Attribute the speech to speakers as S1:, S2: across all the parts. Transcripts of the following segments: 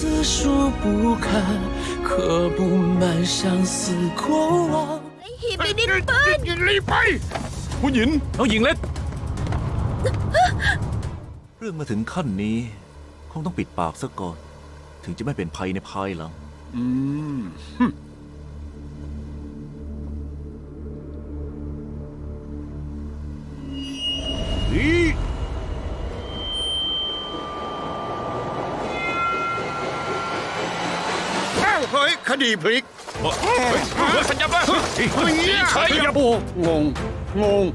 S1: 字数不堪，刻不满相思过往。
S2: หีบดินปืน
S3: รีบไปผู้หญิง
S4: น้องหญิงเล็ก เรื่องมาถึงขั้นนี้ คงต้องปิดปากซะก่อน ถึงจะไม่เป็นภัยในภายหลัง
S3: เฮ้ยคดีพลิก
S4: สัญญาบ้า
S3: ใช่ยาบูงง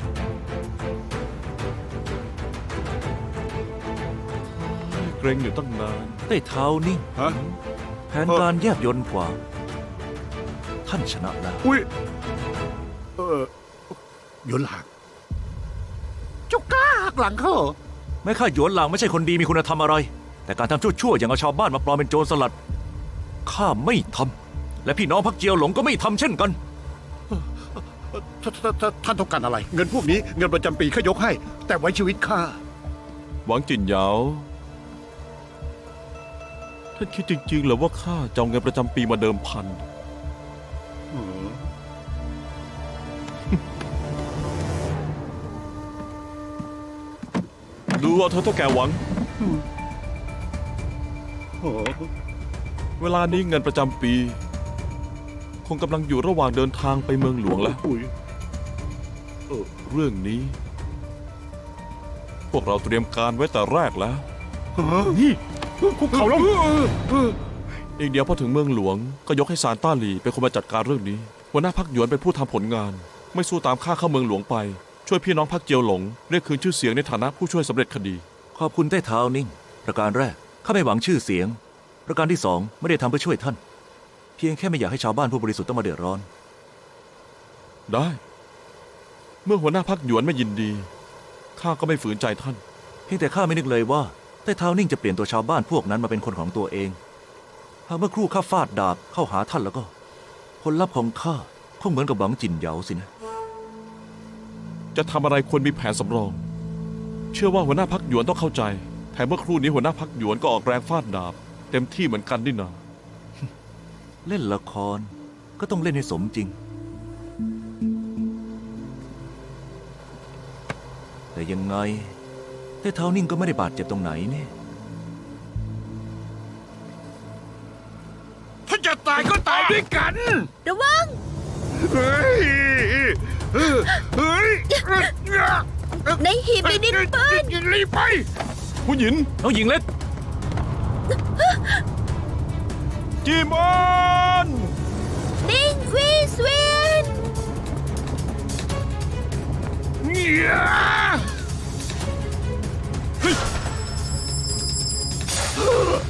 S4: เกรงอยู่ตั้งนานได้เท้านิ่ง
S3: ฮะ
S4: แผนการแยบยลกว่า ท่านชนะแล้ว
S3: อุ้ยยนหลักเจ้ากล้าหักหลังเขาเหรอ
S4: แม้ข้าหยวนหลางไม่ใช่คนดีมีคุณธรรมอะไร แต่การทำชั่วๆอย่างเอาชาวบ้านมาปลอมเป็นโจรสลัด ข้าไม่ทำ และพี่น้องพักเจียวหลงก็ไม่ทำเช่นกัน
S3: ท่านต้องการอะไร เงินพวกนี้เงินประจำปีข้ายกให้ แต่ไว้ชีวิตข้า
S5: หวังจินเหยาท่านคิดจริงๆเหรอว่าข้าจะเอาเงินประจำปีมาเดิมพัน ดูเอาเธอเท่าแก่หวัง เวลานี้เงินประจำปี คงกำลังอยู่ระหว่างเดินทางไปเมืองหลวงแล้ว เรื่องนี้ พวกเราเตรียมการไว้แต่แรกแล้ว
S3: นี่คุกเข่าลง
S5: อีกเดียวพอถึงเมืองหลวงก็ยกให้ซานต้าหลีเป็นคนมาจัดการเรื่องนี้หัวหน้าพรรคหยวนเป็นผู้ทำผลงาน ไม่สู้ตามข้าเข้าเมืองหลวงไปช่วยพี่น้องพรรคเจียวหลงเรียกคืนชื่อเสียงในฐานะผู้ช่วยสำเร็จคดี
S4: ขอบคุณใต้เท้านิ่ง ประการแรกข้าไม่หวังชื่อเสียง ประการที่สองไม่ได้ทำเพื่อช่วยท่าน เพียงแค่ไม่อยากให้ชาวบ้านผู้บริสุทธิ์ต้องมาเดือดร้อน
S5: ได้ เมื่อหัวหน้าพรรคหยวนไม่ยินดีข้าก็ไม่ฝืนใจท่าน
S4: เพียงแต่ข้าไม่นึกเลยว่าใต้เท้านิ่งจะเปลี่ยนตัวชาวบ้านพวกนั้นมาเป็นคนของตัวเองหากเมื่อครู่ข้าฟาดดาบเข้าหาท่านแล้วก็ผลลัพธ์ของข้าคงเหมือนกับหวังจินเหยาสินะ
S5: จะทำอะไรควรมีแผนสำรอง เชื่อว่าหัวหน้าพรรคหยวนต้องเข้าใจแถมเมื่อครู่นี้หัวหน้าพรรคหยวนก็ออกแรงฟาดดาบเต็มที่เหมือนกันนี่นา
S4: เล่นละครก็ต้องเล่นให้สมจริง แต่ยังไงใต้เท้านิ่งก็ไม่ได้บาดเจ็บตรงไหนนี่
S3: ถ้าจะตายก็ตายด้วยกัน
S2: ระวัง
S3: เฮ้ย
S2: ในหีบดินปืน
S3: รีบไป
S5: ผู้หญิง
S4: น้องหญิงเล็ก
S5: จีมอน
S2: ดิงวีสเวน
S3: เนี่ย